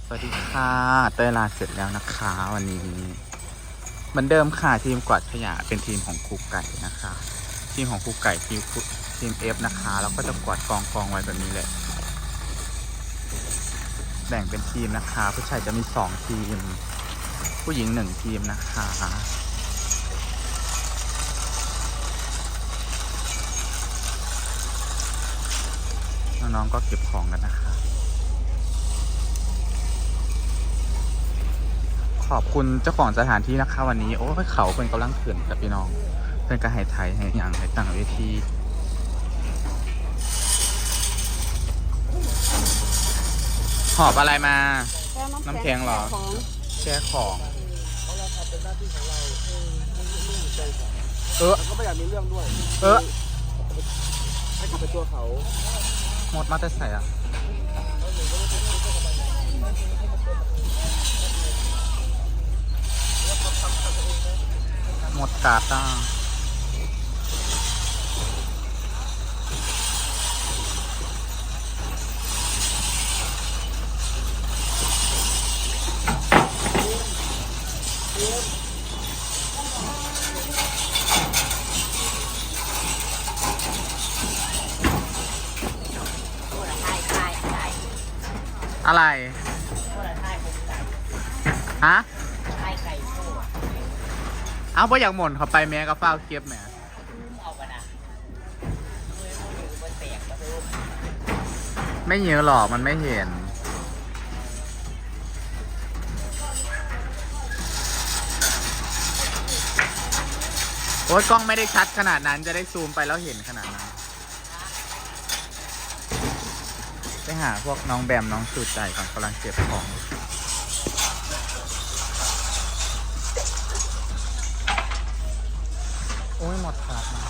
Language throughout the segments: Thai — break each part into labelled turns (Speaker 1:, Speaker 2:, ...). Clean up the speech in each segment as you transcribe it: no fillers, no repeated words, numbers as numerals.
Speaker 1: สวัสดีค่ะเต้ยลาเสร็จแล้วนะคะวันนี้เหมือนเดิมค่ะทีมกวาดขยะเป็นทีมของครูไก่นะคะทีมของครูไก่ทีม F นะคะแล้วก็จะกวาดกองไว้แบบนี้เลยแบ่งเป็นทีมนะคะผู้ชายจะมี2ทีมผู้หญิง1ทีมนะคะน้องๆก็เก็บของกันนะคะขอบคุณเจ้าของสถานที่นะคะวันนี้โอ้ยเขาเป็นกำลังเขื่อนกับพี่น้องเป็นกระหายไทยให้อย่างให้ตั้งเวทีหอบอะไรมาน้ำแข็งเหรอแช่ของ
Speaker 2: ก็ไม่อยากมีเรื่องด้วยให้กลับไปตัวเขา
Speaker 1: หมดมาแต่ใส่อ่ะหมดกาดอ่ะอะไรฮะเอาเพราะอยากหม่นเขาไปแม่ก็เฝ้าเก็บแม่ไม่เยอะหรอกมันไม่เห็นโอ๊ยกล้องไม่ได้ชัดขนาดนั้นจะได้ซูมไปแล้วเห็นขนาดนั้นไปหาพวกน้องแบมน้องสูดใจก่อนกำลังเก็บของโอ้ยหมดขาดมา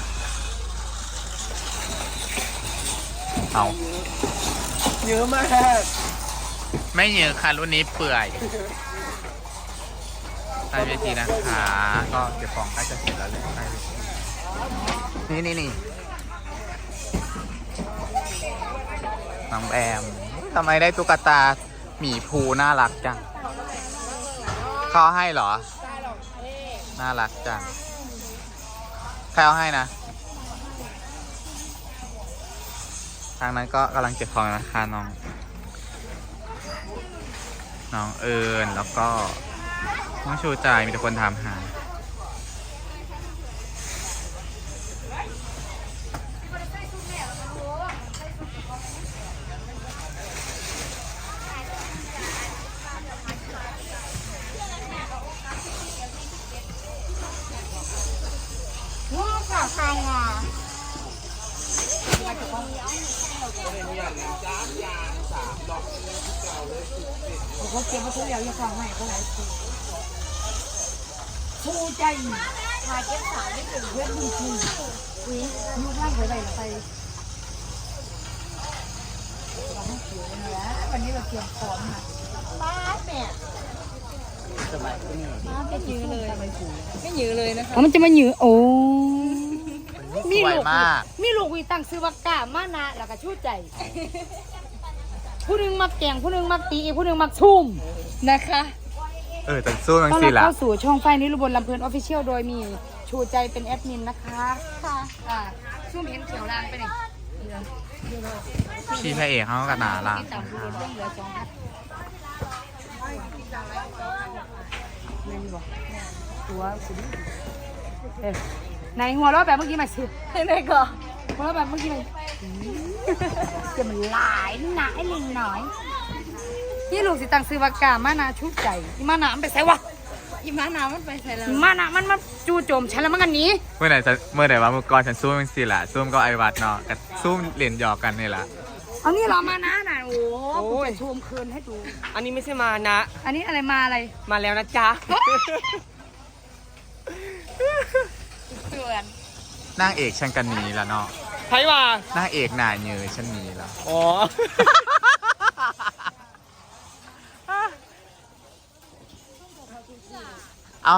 Speaker 1: เอา
Speaker 2: เยอะมาก
Speaker 1: ไม่เยอะค่ะรุ่นนี้เปื่อยใต้เวทีนะคะก็เก็บของใกล้จะเสร็จแล้วเลยใต้เวทีนี่น้องแอมทำไมได้ตุ๊กตาหมีภูน่ารักจังเขาให้เหรอน่ารักจังใครเอาให้นะทางนั้นก็กำลังเก็บของนะคะน้องเอิญแล้วก็น้องชูใจมีแต่คนถามหา
Speaker 3: ใครอ่ะเขาเก็บมาทุกอย่างยังฟังไม่เขาไหนผู้ใจชายเก็บสารไม่ถึงเพื่อนดีจริงอุ้ยยุคล่างไปไหนไปเราให้เขียวเลยนะวันนี้เราเตรียมพร้อมค่ะบ้าแม่
Speaker 2: สบายขึ้น
Speaker 3: ไม่ยื้อเลยไม่ยื้อเลยนะคะมันจะมายื้อโอ้
Speaker 1: มีลูก
Speaker 3: มีลูกวีตั้งซื้อว่ากล้ามานะแล้วก็ชูใจผู้นึงมักแกงผู้นึงมักตีผู้นึงมักชุ่มนะคะ
Speaker 1: แต่สู้มันสิละ
Speaker 3: เข้าสู่ช่องไฟนิรุบลลำเพลินออฟฟิเชียลโดยมีชูใจเป็นแอดมินนะคะค่ะชุ่มเห็นเขียวลางไปเลย
Speaker 1: พี่พระเอกเขากระหนาล่ะ
Speaker 3: ตัวสุดในหัวเราะแบบเมื่อกี้มาสิในก่อนหัวเราะแบบเมื่อกี้มาจะมันหลายหนาไอ้ลิงหน่อยนี่ลูกสิตังซื้อวากามานาชุดใจอีมานามันไปใส่วะอีมานามันไปใส่แล้วมานามันมาจู่โจมฉันแล้วมันกันนี้
Speaker 1: เมื่อไหร่ว่าเมื่อก่อนฉันสู้มันสิละสู้ก็ไอวัดเนาะกับสู้เหรียญหยอกกันนี่แหละ
Speaker 3: เอานี่เรามานะน่ะโอ้กูจะชมคืนให้ดู
Speaker 2: อันนี้ไม่ใช่มานะ
Speaker 3: อันนี้อะไรมาอะไร
Speaker 2: มาแล้วนะจ๊ะ
Speaker 1: นางเอกฉันกันนี้แล้วเนาะ
Speaker 2: ใครม
Speaker 1: านางเอกหน่าเยอะฉันนี้แล้ว
Speaker 2: อ๋อ
Speaker 1: เอา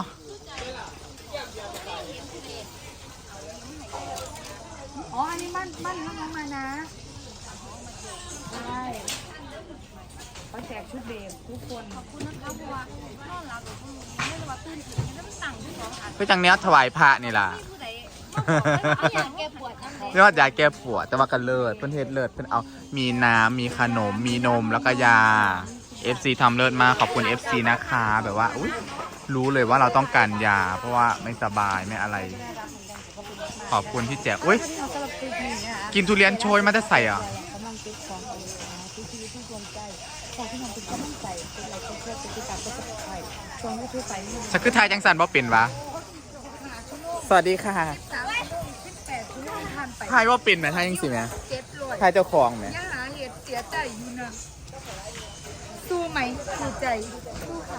Speaker 3: อ๋ออันนี้มันน้องมานะใช่เขาแจกชุดเบรทุกคนขอบคุณนะคะเพราะว่านอนหลับไม่รู้ว่าตื่นถึงแล้วมันสั่งที่สองอัน
Speaker 1: ก็จังเนี้ยถวายพระนี่ล่ะ
Speaker 3: ผู้ใดเอาอย่างแกปวดน้ำ
Speaker 1: เรียกว่ายาแก้ปวดแต่ว่ากันเลิศเพิ่นเฮ็ดเลิศเพิ่นเอามีน้ำมีขนมมีนมแล้วก็ยา FC ทำเลิศมากขอบคุณ FC นะคะแบบว่าอุ๊ยรู้เลยว่าเราต้องการยา เพราะว่าไม่สบายไม่อะไร ขอบคุณที่แจกอุ๊ยกินทุเรียนโชยมาจะใส่อ่ะ
Speaker 3: กำลังติดของเอาทุกทีทุกดวงใจขอที่น้องเป็นกำลังใจเป็นอะไรก็เพื่อเป็นที่ตามก็จะไปช่วงที่ทุกไปนี่
Speaker 1: ฉันคือทายจังสันบ่เป็นวะสวัสดีค่ะ
Speaker 3: 18ชั่วโมงผ่านไป
Speaker 1: ทายว่าเป็นไหมทายยังสิไหม
Speaker 3: 700
Speaker 1: ทายเจ้าของไหม
Speaker 3: ยังหาเหตุเสียใจอยู่นะสู้ไหมสู้ใจสู้ค่ะ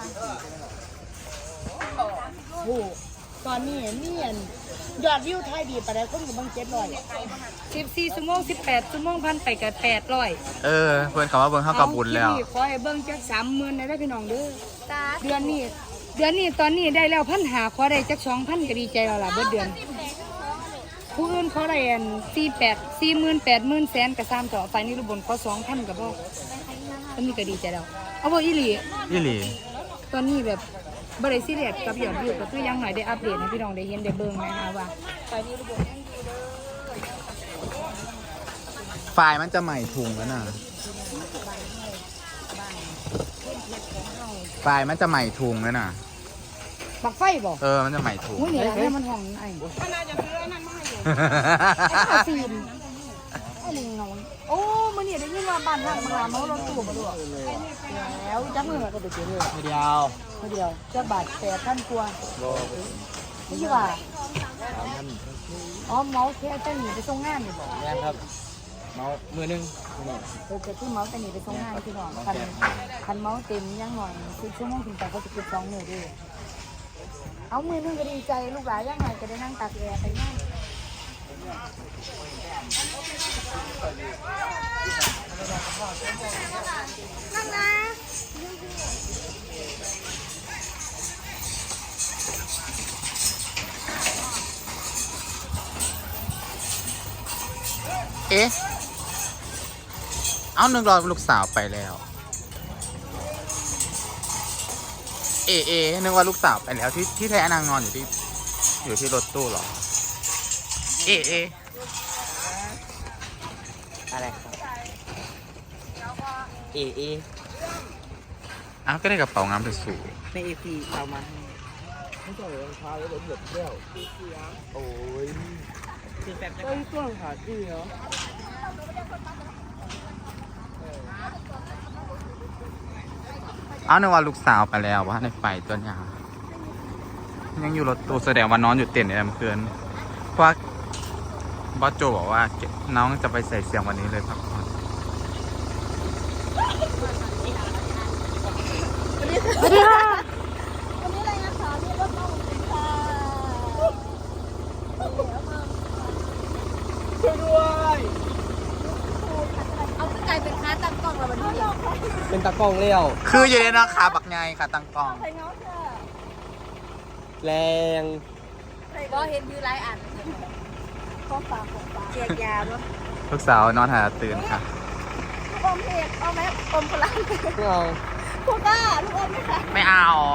Speaker 4: โอ้ตอนนี้มีอันยอดวิวไทยดีปะได้คนอยู่บาง
Speaker 3: 14ชั่วโมง18ชั่วโมงพันไปกับ800
Speaker 1: เออเพื่อนคำว่าเบิ่งเข้ากับบุญแล้ว
Speaker 3: เอาที่นี่ขอให้เบิ่งจัก30,000ได้พี่น้องเด้อเดือนนี้ตอนนี้ได้แล้ว1,500ขอได้จัก2,000ก็ดีใจแล้วล่ะเบิดเดือนผู้อื่นเขาได้อัน48 40,000 80,000แสนก็3ต่อไฟนี่รุบนขอ2,000ก็พออันนี้ก็ดีใจแล้วเอาบ่อีหลี
Speaker 1: ยี่หลี
Speaker 3: ตอนนี้แบบบริสิเรียสกับยอดวิวก็คือยังหน่อยได้อัปเดตให้พี่น้องได้เห็นได้เบิ่งนะคะว่าตอนนี้ระบบยังอยู่เด้อ
Speaker 1: ไฟล์มันจะใหม่ถุงแล้วน่ะไฟล์มันจะใหม่ถุงแล้วน่ะ
Speaker 3: บักไฟบ่
Speaker 1: เออมันจะใหม่ถุง
Speaker 3: อุ้ยนี่ให้มันห้องไอ้
Speaker 4: มันน่าจะซื้อไอ้นั่นมาให้อยู่
Speaker 3: ไอ้ขาฟิล์มไอ้ลิงน้องโอ้มื้อนี้ได้ยินว่าบ้านทางมาเมารถตู้มาด้วยแล้วจักมื้อก็ไปเจอเลย
Speaker 2: เดียว
Speaker 3: เดียวจักบาท8,000กว่านี่สิว่าอ๋อเมาแค่แต่หนีไปส่งงานนี่บ่
Speaker 2: แม่ครับเมามือนึง
Speaker 3: จะคือเมาแต่หนีไปส่งงานพี่น้องคันเมาเต็มยังหน่อย10ชั่วโมงถึงแต่ก็จะเก็บ2มื้อด้วยเอามือนึงก็ดีใจลูกหลานยังไงก็ได้นั่งตากแอร์ไปนั่งนั่งนะ
Speaker 1: เอ๊ะ เอานึกรอลูกสาวไปแล้ว เอ๊ะนึกว่าลูกสาวไปแล้วที่แท้นางนอนอยู่ที่รถตู้เหรอ เอ๊ะ
Speaker 2: อะไรครับเอ
Speaker 1: อ้าวก็ได้กระเป๋างามสวย
Speaker 2: ในเอพีเอามาให้ไม่ใช่รองเท้าแล้วเหยียบแก้วโอ้ยคือแบบก็ช่วงขาดีเนาะ
Speaker 1: ๆเอานึกว่าลูกสาวไปแล้วว่าในไฟตัวยาวยังอยู่รถตู้แสดงว่านอนอยู่เต็นท์ในลำเกินเพราะว่าบอสโจบอกว่าน้องจะไปใส่เสียงวันนี้เลยพักผ่อน
Speaker 3: สวัสดีค่ะ
Speaker 4: วันนี้อะไรนะคะนี่รถตู้ค่ะช่วยด้วย
Speaker 3: เอาขึ้นกลายเป็นค้าตั้งกล้องแล้ววันนี้
Speaker 2: เป็นตะกล้องเลี้ยว
Speaker 1: คืออยู่ในราคาบักไงค่ะตังกอง
Speaker 4: ใส่เงาค่ะ
Speaker 2: แรง
Speaker 3: ก็เห็นอยู่หลายอัน
Speaker 4: ของฝากของฝาก
Speaker 3: เจียกยาด้วย
Speaker 1: ลูกสาวนอนหาตื่นค่ะ
Speaker 4: ลูกอมเพกเอาไหมอมพลัง
Speaker 2: ไม่เอา
Speaker 4: พวกก้าลูกอมไหมคะ
Speaker 1: ไม่เอา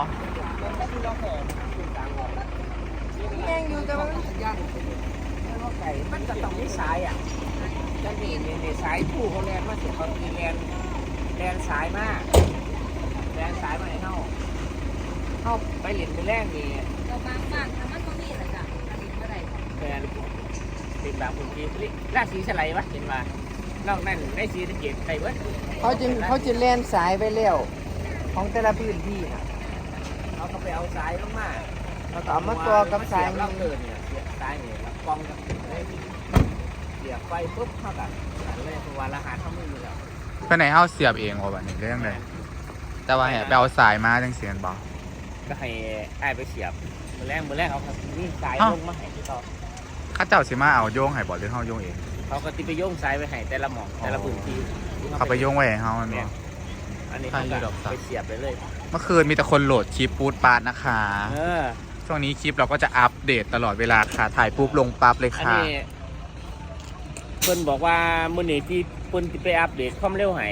Speaker 4: แม่งอยู่แต่ว่ามัน
Speaker 2: มันจะต้องมีสายอ่ะจะมีในสายผู้เขาแลนมาเสียเขามีแลนสายมากแลนสายมาให้เข้าไปเหรียญไปแรกนี่
Speaker 3: เราบางบ้านทำมันก็มีแหละจ้ะอันนี้เมื่อไหร่
Speaker 2: แฟนเป็นบางคนที่ราศีสไลด์วะเห็นมานอกนั้นได้สีตะเกียบใส่เว้ย
Speaker 5: เขาจะเล่นสายไปเร็วของแต่ละพื้นที่นะ
Speaker 2: เขาก็ไปเอาสายลงมา
Speaker 5: เราก็เอามาตัวกับสาย
Speaker 2: เราเกินเนี่ยเสียบสายเนี่ยแล้วกองกับเลยเสียบไฟปุ๊บเท่ากับเลยตัวรหัสเขาไม่มีแล้ว
Speaker 1: เพื่อนไหนเฮาเสียบเองว่าวันนี้เรื่องเลยแต่ว่าแหบไปเอาสายมาจังเสียนบอก
Speaker 2: ก็ให้ไอ้ไปเสียบมือแรกเอาครับนี่สายลงมาให้ที่เขา
Speaker 1: ข้าเจ้าสิมาเอาโยงให้บอกหรือเฮาโยงเอง
Speaker 2: เขาก็ติไปโยงสายไปให้แต่ละหม่องแต่ละพื้นที่
Speaker 1: เขาไปโยงไว้ให้เฮามันบอก
Speaker 2: อันนี้เขาก็ไปเสียบไปเลย
Speaker 1: เมื่อคืนมีแต่คนโหลดคลิปปูดปาดนะคะ
Speaker 2: เออ
Speaker 1: ช่วงนี้คลิปเราก็จะอัปเดตตลอดเวลาค่ะถ่ายปุ๊บลงปั๊บเลย
Speaker 2: อัน
Speaker 1: ค่ะ
Speaker 2: นี้เพิ่นบอกว่ามื้อนี้ที่เพิ่นสิไปอัปเดตความเร็วให้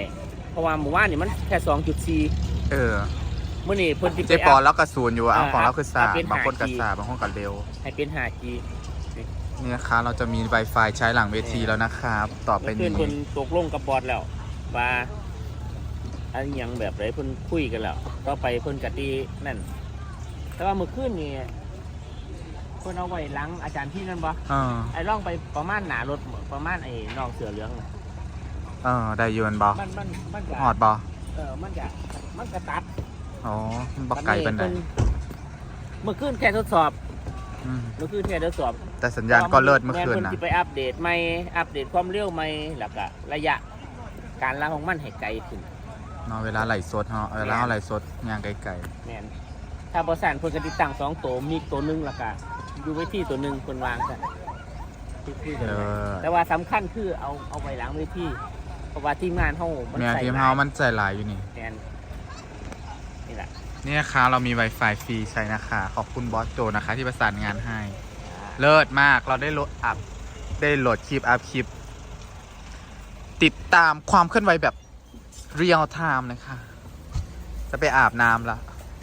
Speaker 2: เพราะว่าหมู่บ้านนี่มันแค่ 2.4
Speaker 1: เออ
Speaker 2: มื้อนี้เพิ่นสิ
Speaker 1: เจ๊
Speaker 2: ไป
Speaker 1: ปอ
Speaker 2: อัพ
Speaker 1: แล้วก็ศูนย์อยู่เอาของเราคือสา
Speaker 2: เป็น
Speaker 1: บางคนก็
Speaker 2: 5G
Speaker 1: สาบางคนก็เร็ว
Speaker 2: ให้เป็น 5G
Speaker 1: นี่นะคะเราจะมี Wi-Fi ใช้หลังเวทีแล้วนะครับ ต่อไป
Speaker 2: เมื่อคื
Speaker 1: นี้
Speaker 2: นเพิ่นตกลงกับบอสแล้วว่าอันหยังแบบไรเพิ่นคุยกันแล้วต่อไปเพิ่นกะตีนั่นแต่ว่าเมื่อคืนนี่เพิ่นเอาไว้หลังอาจารย์ที่นั่นบ่
Speaker 1: เออ
Speaker 2: ไอ้ร่องไปประมาณหนารถประมาณไอ้น้องเสือเหลืองน่ะ
Speaker 1: เออได้อยืนบอ
Speaker 2: มันจะ
Speaker 1: หอดบอ
Speaker 2: มันจะตัด
Speaker 1: อ๋อมันบอกไก่เป็นได
Speaker 2: เมื่อคืนแค่ทดสอบ
Speaker 1: อืม
Speaker 2: เมื่อคืนแค่ทดสอบ
Speaker 1: แต่สัญญาณก็เลิศเมื่อคืน
Speaker 2: แม่
Speaker 1: นะ
Speaker 2: เพิ่สิไปอัปเดตใหม่อัปเดตความเร็วใหม่แล้วก็ระยะการลาของมันให้ไกลขึ้น
Speaker 1: เนาะเวลาไหลสดเนาะเวลาไหลสดยางไก่
Speaker 2: แม่นถ้าบริษัทเพิ่นก็ติดตั้ง2ตัวมีตัวหนึงแล้วก็อยู่ไว้ที่ตัวหนึงเพิ่นวางซะที่
Speaker 1: ๆ
Speaker 2: กัน
Speaker 1: เอ
Speaker 2: ไว้
Speaker 1: อ
Speaker 2: แต่ว่าสำคัญคือเอาไว้หลังเวทีเพราะว่าทีมงานเฮามัน
Speaker 1: เมีย
Speaker 2: ใส่
Speaker 1: ทีม
Speaker 2: หล
Speaker 1: เฮาย มันใจหลายอยู่นี่
Speaker 2: แม่นนี่แหละ
Speaker 1: นี่นะคะเรามี Wi-Fi ฟรีใช้นะคะ ขอบคุณบอสโจนะคะ ที่ประสานงานให้ เลิศมากเราได้โหลดคลิปอัพคลิป ติดตามความเคลื่อนไหวแบบเรียลไทม์นะคะ จะไปอาบน้ำละ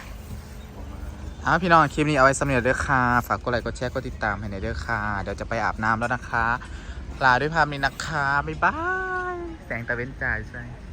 Speaker 1: พี่น้องคลิปนี้เอาไว้สำเร็จด้วยค่ะ ฝากกดไลค์กดแชร์กดติดตามให้ในอยด้วยค่ะ เดี๋ยวจะไปอาบน้ำแล้วนะคะ ลาด้วยภาพนี้นะคะ บ๊ายบาย แสงตะเวนจ่ายใช่